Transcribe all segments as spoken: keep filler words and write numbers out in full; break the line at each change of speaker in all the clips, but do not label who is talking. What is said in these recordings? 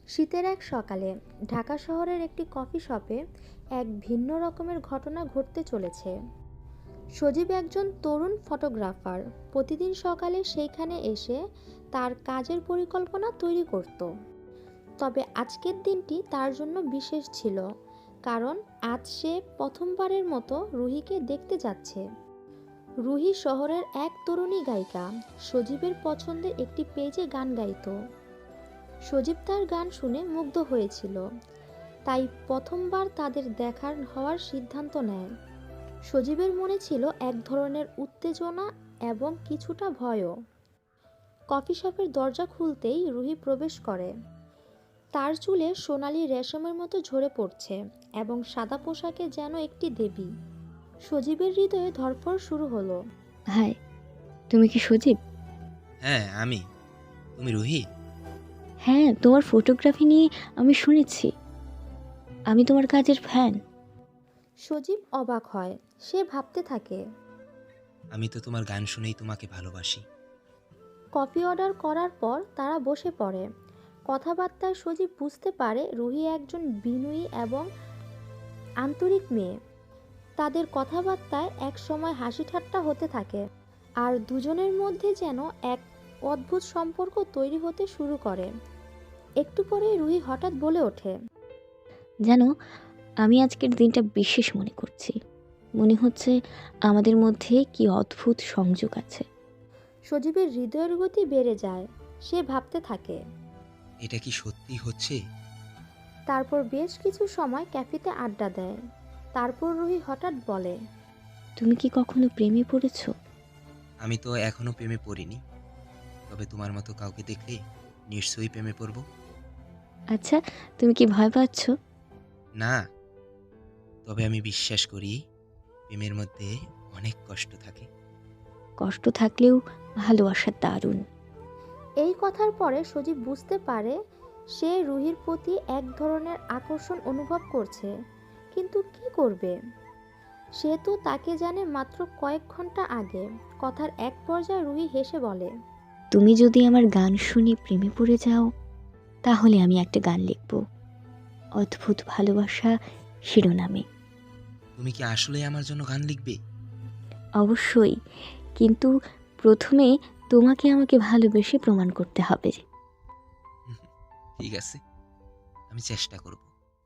শীতের এক সকালে ঢাকা শহরের একটি কফি শপে এক ভিন্ন রকমের ঘটনা ঘটতে চলেছে। সজীব একজন তরুণ ফটোগ্রাফার। প্রতিদিন সকালে সেইখানে এসে তার কাজের পরিকল্পনা তৈরি করত। তবে আজকের দিনটি তার জন্য বিশেষ ছিল, কারণ আজ সে প্রথমবারের মতো রুহিকে দেখতে যাচ্ছে। রুহি শহরের এক তরুণী গায়িকা। সজীবের পছন্দের একটি পেজে গান গাইতো। সজীব তার গান শুনে মুগ্ধ হয়েছিল, তাই প্রথমবার তাদের দেখার হওয়ার সিদ্ধান্ত নেয়। সজীবের মনে ছিল এক ধরনের উত্তেজনা এবং কিছুটা ভয়ও। কফি শপের দরজা খুলতেই রুহি প্রবেশ করে। তার চুলে সোনালি রেশমের মতো ঝরে পড়ছে এবং সাদা পোশাকে যেন একটি দেবী। সজীবের হৃদয়ে ধড়ফড় শুরু হলো।
হাই, তুমি কি সজীব?
হ্যাঁ, আমি। তুমি রুহি?
হ্যাঁ, তোমার ফটোগ্রাফি নিয়ে আমি শুনেছি। আমি তোমার কাজের ফ্যান।
সজীব অবাক হয়। সে ভাবতে থাকে,
আমি তো তোমার গান শুনেই তোমাকে ভালোবাসি।
কফি অর্ডার করার পর তারা বসে পড়ে। কথাবার্তায় সজীব বুঝতে পারে রুহি একজন বিনয়ী এবং আন্তরিক মেয়ে। তাদের কথাবার্তায় এক সময় হাসি ঠাট্টা হতে থাকে, আর দুজনের মধ্যে যেন এক অদ্ভুত সম্পর্ক তৈরি হতে শুরু করে। একটু পরে রুহি হঠাৎ বলে ওঠে,
জানো, আমি আজকের দিনটা বিশেষ মনে করছি। মনে হচ্ছে আমাদের মধ্যে কি অদ্ভুত সংযোগ আছে।
সজীবের হৃদয়ের গতি বেড়ে যায়। সে ভাবতে থাকে।
এটা কি সত্যি হচ্ছে?
তারপর বেশ কিছু সময় ক্যাফেতে আড্ডা দেয়। তারপর রুহি হঠাৎ বলে,
তুমি কি কখনো প্রেমে পড়েছো?
আমি তো এখনো প্রেমে পড়িনি। তবে তোমার মতো কাউকে দেখলে নিশ্চয়ই প্রেমে পড়ব।
আচ্ছা, তুমি কি ভয় পাচ্ছ?
না, তবে আমি বিশ্বাস করি প্রেমের মধ্যে অনেক কষ্ট থাকে।
কষ্ট থাকলেও ভালোবাসা দারুণ।
এই কথার পরে সজীব বুঝতে পারে সে রুহির প্রতি এক ধরনের আকর্ষণ অনুভব করছে, কিন্তু কি করবে? সে তো তাকে জানে মাত্র কয়েক ঘন্টা আগে। কথার এক পর্যায়ে রুহি হেসে বলে,
তুমি যদি আমার গান শুনে প্রেমে পড়ে যাও, তাহলে আমি একটা গান লিখব, অদ্ভুত ভালোবাসা শিরোনামে।
তুমি কি আসলে আমার জন্য গান লিখবে?
অবশ্যই, কিন্তু প্রথমে তোমাকে আমাকে ভালোবেসে প্রমাণ করতে হবে।
ঠিক আছে, আমি চেষ্টা করব।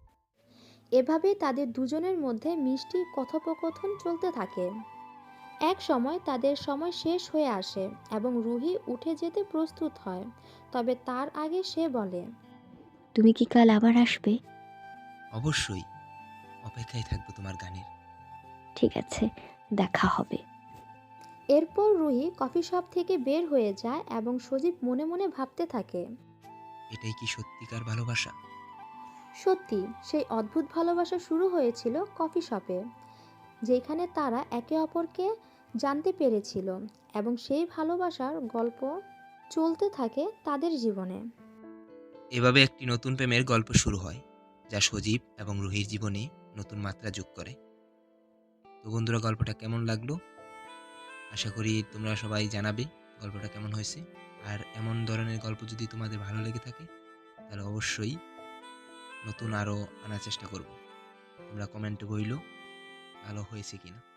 এভাবেই তাদের দুজনের মধ্যে মিষ্টি কথোপকথন চলতে থাকে। এক সময় তাদের সময় শেষ হয়ে আসে এবং রুহি উঠে যেতে প্রস্তুত হয়। তবে তার আগে সে বলে,
তুমি কি কাল আবার আসবে?
অবশ্যই, অপেক্ষায় থাকবো তোমার গানের।
ঠিক আছে, দেখা হবে।
এরপর রুহি কফি শপ থেকে বের হয়ে যায় এবং সজীব মনে মনে ভাবতে থাকে,
এটাই কি সত্যিকার ভালোবাসা?
সত্যি সেই অদ্ভুত ভালোবাসা শুরু হয়েছিল কফি শপে, যেখানে তারা একে অপরকে জানতে পেরেছিল, এবং সেই ভালোবাসার গল্প চলতে থাকে তাদের জীবনে।
এভাবে একটি নতুন প্রেমের গল্প শুরু হয়, যা সজীব এবং রুহির জীবনে নতুন মাত্রা যোগ করে। তো বন্ধুরা, গল্পটা কেমন লাগলো? আশা করি তোমরা সবাই জানাবে গল্পটা কেমন হয়েছে। আর এমন ধরনের গল্প যদি তোমাদের ভালো লেগে থাকে, তাহলে অবশ্যই নতুন আরও আনার চেষ্টা করব। তোমরা কমেন্টে বইলো ভালো হয়েছে কিনা।